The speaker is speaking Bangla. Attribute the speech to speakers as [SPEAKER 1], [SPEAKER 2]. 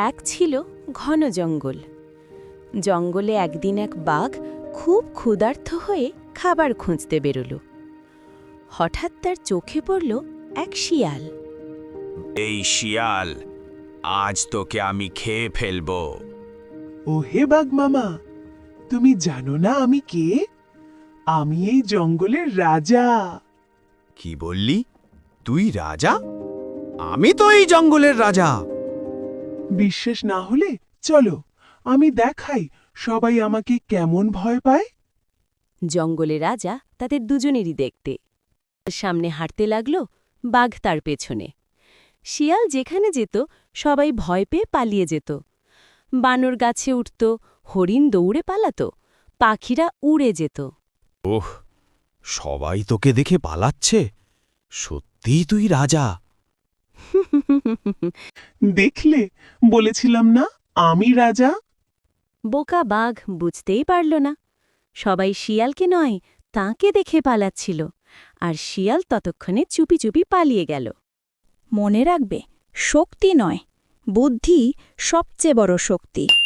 [SPEAKER 1] এক ছিল ঘন জঙ্গল। জঙ্গলে একদিন এক বাঘ খুব ক্ষুধার্ত হয়ে খাবার খুঁজতে বেরোল। হঠাৎ তার চোখে পড়ল এক শিয়াল।
[SPEAKER 2] এই শিয়াল, আজ তোকে আমি খেয়ে ফেলবো।
[SPEAKER 3] ও হে বাঘ মামা, তুমি জানো না আমি কে? আমি এই জঙ্গলের রাজা।
[SPEAKER 2] কি বললি? তুই রাজা? আমি তো এই জঙ্গলের রাজা।
[SPEAKER 3] বিশ্বাস না হলে চলো, আমি দেখাই সবাই আমাকে কেমন ভয় পায়।
[SPEAKER 1] জঙ্গলে রাজা তাদের দুজনেরই দেখতে সামনে হাঁটতে লাগল, বাঘ তার পেছনে। শিয়াল যেখানে যেত সবাই ভয় পেয়ে পালিয়ে যেত। বানর গাছে উঠত, হরিণ দৌড়ে পালাত, পাখিরা উড়ে যেত।
[SPEAKER 2] ওহ, সবাই তোকে দেখে পালাচ্ছে। সত্যিই তুই রাজা?
[SPEAKER 3] দেখলে, বলেছিলাম না আমি রাজা।
[SPEAKER 1] বোকা বাঘ বুঝতেই পারল না। সবাই শিয়ালকে নয়, তাঁকে দেখে পালাচ্ছিল, আর শিয়াল ততক্ষণে চুপি চুপি পালিয়ে গেল।
[SPEAKER 4] মনে রাখবে, শক্তি নয়, বুদ্ধি সবচেয়ে বড় শক্তি।